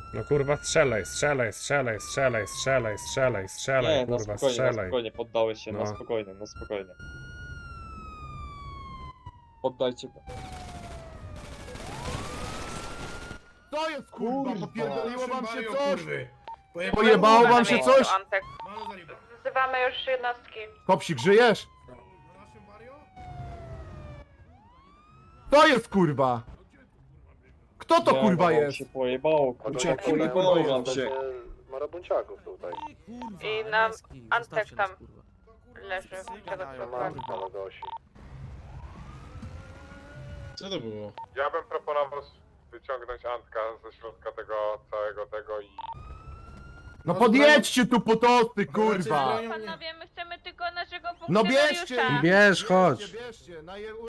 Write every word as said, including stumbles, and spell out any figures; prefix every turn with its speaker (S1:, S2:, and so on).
S1: No kurwa strzelaj, strzelaj, strzelaj, strzelaj, strzelaj, strzelaj, strzelaj,
S2: Nie, na
S1: kurwa
S2: spokojnie, na
S1: strzelaj.
S2: spokojnie, poddałeś się,
S1: No.
S2: na spokojnie, na spokojnie. Poddajcie go.
S3: To jest kurwa, popierdoliło wam się
S4: Mario,
S3: coś?
S4: kurwy.
S3: Pojebało wam się coś?
S5: Antek.
S4: Mario zaliba.
S5: Wzywamy już jednostki.
S3: Kopsik, żyjesz?
S4: Naszym Mario?
S3: To jest kurwa! Kto to
S2: Nie,
S3: kurwa
S2: wam
S3: jest?
S2: się pojebało, kurwa,
S6: Uciekli,
S2: pojebało wam się.
S6: Marabunciaków tutaj.
S5: I nam Antek tam leży.
S6: Na Gosi.
S7: Co to było?
S8: Ja bym proponował wyciągnąć Antka ze środka tego całego tego i...
S3: No podjedźcie tu po tosty, kurwa!
S5: Panowie, my chcemy tylko naszego
S3: No bierzcie!
S5: funkcjonariusza.
S3: Bierz, chodź! Bierzcie, bierzcie, na je...